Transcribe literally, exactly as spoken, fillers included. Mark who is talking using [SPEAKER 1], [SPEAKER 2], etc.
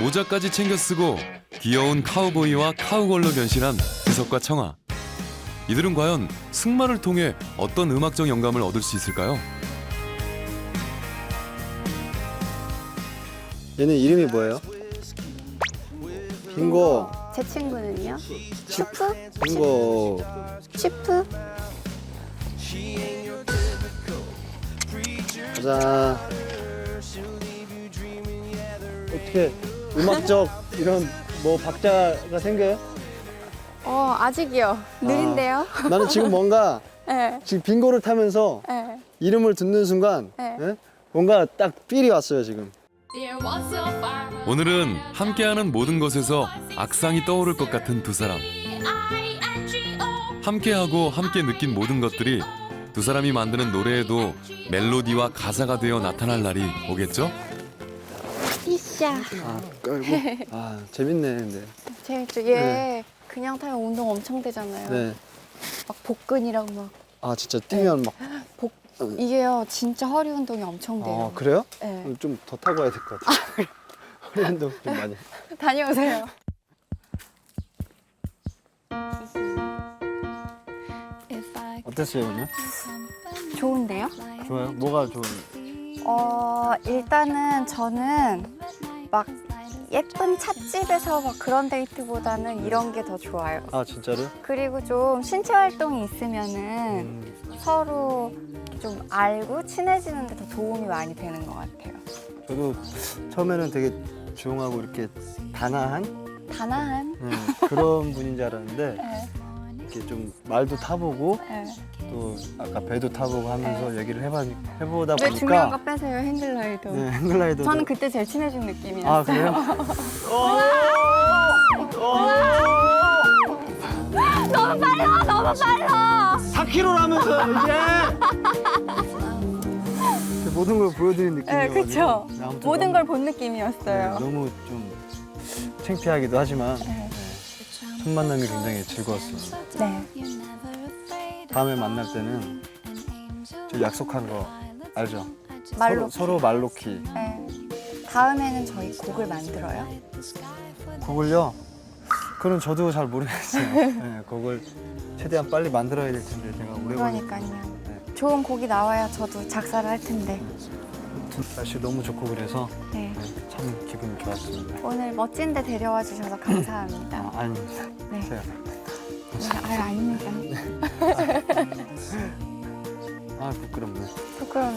[SPEAKER 1] 모자까지 챙겨 쓰고 귀여운 카우보이와 카우걸로 변신한 지석과 청아. 이들은 과연 승마를 통해 어떤 음악적 영감을 얻을 수 있을까요?
[SPEAKER 2] 얘네 이름이 뭐예요? 빙고.
[SPEAKER 3] 제 친구는요? 슈프?
[SPEAKER 2] 빙고.
[SPEAKER 3] 슈프?
[SPEAKER 2] 가자. 어떻게 음악적 이런 뭐 박자가 생겨요?
[SPEAKER 3] 어, 아직이요. 느린데요?
[SPEAKER 2] 나는 지금 뭔가
[SPEAKER 3] 네.
[SPEAKER 2] 지금 빙고를 타면서
[SPEAKER 3] 네.
[SPEAKER 2] 이름을 듣는 순간
[SPEAKER 3] 네.
[SPEAKER 2] 예? 뭔가 딱 필이 왔어요 지금.
[SPEAKER 1] 오늘은 함께하는 모든 것에서 악상이 떠오를 것 같은 두 사람. 함께하고 함께 느낀 모든 것들이 두 사람이 만드는 노래에도 멜로디와 가사가 되어 나타날 날이 오겠죠?
[SPEAKER 3] 이샤.
[SPEAKER 2] 아 깔고. 아 재밌네 근데.
[SPEAKER 3] 재밌죠? 얘
[SPEAKER 2] 네.
[SPEAKER 3] 그냥 타면 운동 엄청 되잖아요.
[SPEAKER 2] 네.
[SPEAKER 3] 막 복근이랑 막
[SPEAKER 2] 아 진짜 뛰면 막.
[SPEAKER 3] 복 이게요 진짜 허리 운동이 엄청 돼요.
[SPEAKER 2] 아 그래요?
[SPEAKER 3] 네.
[SPEAKER 2] 좀 더 타고 와야 될 것 같아. 허리 운동 좀 많이.
[SPEAKER 3] 다녀오세요.
[SPEAKER 2] 어땠어요 오늘?
[SPEAKER 3] 좋은데요?
[SPEAKER 2] 좋아요? 뭐가 좋은?
[SPEAKER 3] 어 일단은 저는 막 예쁜 찻집에서 막 그런 데이트보다는 이런 게 더 좋아요.
[SPEAKER 2] 아 진짜로?
[SPEAKER 3] 그리고 좀 신체 활동이 있으면은
[SPEAKER 2] 음,
[SPEAKER 3] 서로 좀 알고 친해지는 데 더 도움이 많이 되는 것 같아요.
[SPEAKER 2] 저도 처음에는 되게 조용하고 이렇게 단아한
[SPEAKER 3] 단아한.
[SPEAKER 2] 음, 그런 분인 줄 알았는데
[SPEAKER 3] 네,
[SPEAKER 2] 이렇게 좀 말도 타보고
[SPEAKER 3] 네.
[SPEAKER 2] 또 아까 배도 타보고 하면서 얘기를 해봐, 해보다
[SPEAKER 3] 왜 중요한
[SPEAKER 2] 보니까
[SPEAKER 3] 거 빼세요, 행글라이더.
[SPEAKER 2] 네, 행글라이더
[SPEAKER 3] 저는 그때 제일 친해진 느낌이었어요.
[SPEAKER 2] 아 그래요?
[SPEAKER 3] 너무 빨라, 너무 빨라.
[SPEAKER 2] 사 킬로그램라면서 이게 모든 걸 보여드린
[SPEAKER 3] 네,
[SPEAKER 2] 느낌이어가지고
[SPEAKER 3] 그쵸.
[SPEAKER 2] 네, 아무튼
[SPEAKER 3] 모든
[SPEAKER 2] 너무-
[SPEAKER 3] 걸 본
[SPEAKER 2] 네,
[SPEAKER 3] 느낌이었어요.
[SPEAKER 2] 너무 좀 창피하기도 하지만
[SPEAKER 3] 네.
[SPEAKER 2] 첫 만남이 굉장히 즐거웠어요.
[SPEAKER 3] 네.
[SPEAKER 2] 다음에 만날 때는 저 약속한 거 알죠?
[SPEAKER 3] 말로.
[SPEAKER 2] 서로, 서로 말 놓기.
[SPEAKER 3] 네. 다음에는 저희 곡을 만들어요.
[SPEAKER 2] 곡을요? 그건 저도 잘 모르겠어요. 네, 곡을 최대한 빨리 만들어야 될 텐데 제가 오래 걸리니까.
[SPEAKER 3] 그러니까요.
[SPEAKER 2] 네.
[SPEAKER 3] 좋은 곡이 나와야 저도 작사를 할 텐데.
[SPEAKER 2] 날씨 너무 좋고 그래서
[SPEAKER 3] 네.
[SPEAKER 2] 네, 참 기분이 좋았습니다.
[SPEAKER 3] 오늘 멋진 데 데려와 주셔서 감사합니다.
[SPEAKER 2] 아, 아닙니다.
[SPEAKER 3] 네.
[SPEAKER 2] 제가.
[SPEAKER 3] 네, 아유, 아닙니다.
[SPEAKER 2] 아 부끄럽네.
[SPEAKER 3] 부끄러워요.